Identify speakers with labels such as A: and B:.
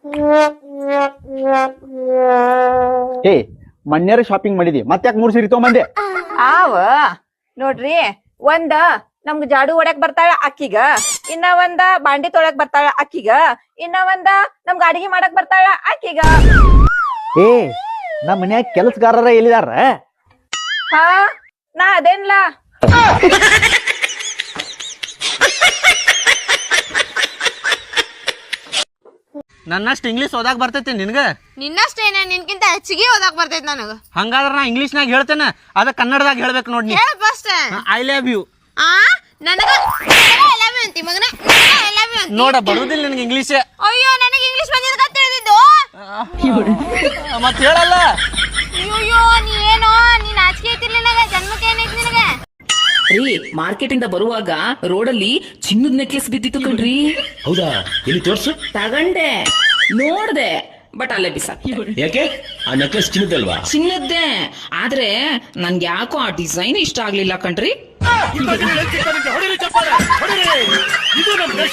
A: ಏ ಮಣ್ಯರ ಶಾಪಿಂಗ್ ಮಾಡಿದಿ ಮತ್ತ್ಯಾಕ್ 3 ಸೀರೆ ತಗೊಂಬಂದೆ?
B: ನೋಡ್ರಿ, ಒಂದ ನಮ್ಗ್ ಜಾಡು ಹೊಡ್ಯಾಕ್ ಬರ್ತಾಳ ಅಕ್ಕಿಗ, ಇನ್ನ ಒಂದ ಬಾಂಡಿ ತೊಳ್ಯಾಕ್ ಬರ್ತಾಳ ಅಕ್ಕಿಗ, ಇನ್ನ ಒಂದ ನಮ್ಗ ಅಡಿಗೆ ಮಾಡಕ್ ಬರ್ತಾಳ ಅಕ್ಕಿಗ.
A: ಏ ನಮ್ಮ ಮನ್ಯಾಗ ಕೆಲಸಗಾರರ ಎಲ್ಲಿದಾರ?
B: ಹಾ ನಾ ಅದೇನ್ಲ.
C: ನನ್ನಷ್ಟು ಇಂಗ್ಲೀಷ್ ಓದಾಕ್ ಬರ್ತೈತಿ ನಿನ್ಗ?
D: ನಿನ್ನಷ್ಟೇನೆ, ನಿನ್ಕಿಂತ ಹೆಚ್ಚಿಗೆ ಓದಾಕ್ ಬರ್ತೈತಿ ನನಗ.
C: ಹಂಗಾದ್ರ ನಾ ಇಂಗ್ಲೀಷ್ನಾಗ ಹೇಳ್ತೇನೆ, ಅದ ಕನ್ನಡದಾಗ ಹೇಳ್ಬೇಕು ನೋಡಿ.
D: ಹೇಳ ಫಸ್ಟ್.
C: I love you.
D: ನನಗ ಅಂತಿ ಮಗನ,
C: ನೋಡ ಬರುದಿಲ್ಲ ನಿನ್ಗೆ ಇಂಗ್ಲೀಷ್.
D: ಅಯ್ಯೋ, ನನಗೆ ಇಂಗ್ಲೀಷ್ ಬಂದಿದ್ದ ತಿಳಿದಿದ್ದು
C: ಮತ್ ಹೇಳಲ್ಲ.
D: ಅಯ್ಯೋ, ನೀ ಏನೋ ನೀನ್ ಆಚಿಕೆ ಐತಿರ್ಲಿ ನನಗ, ಜನ್ಮಕ್ಕೆ ಏನೈತಿ ನಿನಗ?
E: ರೀ, ಮಾರ್ಕೆಟ್ ಇಂದ ಬರುವಾಗ ರೋಡಲ್ಲಿ ಚಿನ್ನದ ನೆಕ್ಲೆಸ್ ಬಿದ್ದಿತ್ತು ಕಣ್ರಿ.
F: ಹೌದಾ? ಇಲ್ಲಿ ತೋರ್ಸು.
E: ತಗಂಡೆ, ನೋಡ್ದೆ, ಬಟ್ ಅಲ್ಲೇ ಬಿಸಾಕಿ.
F: ಯಾಕೆ? ಆ ನೆಕ್ಲೆಸ್ ಚಿನ್ನದಲ್ವಾ?
E: ಚಿನ್ನದ್ದೇ, ಆದ್ರೆ ನನ್ಗೆ ಯಾಕೋ ಆ ಡಿಸೈನ್ ಇಷ್ಟ ಆಗ್ಲಿಲ್ಲ ಕಣ್ರಿ.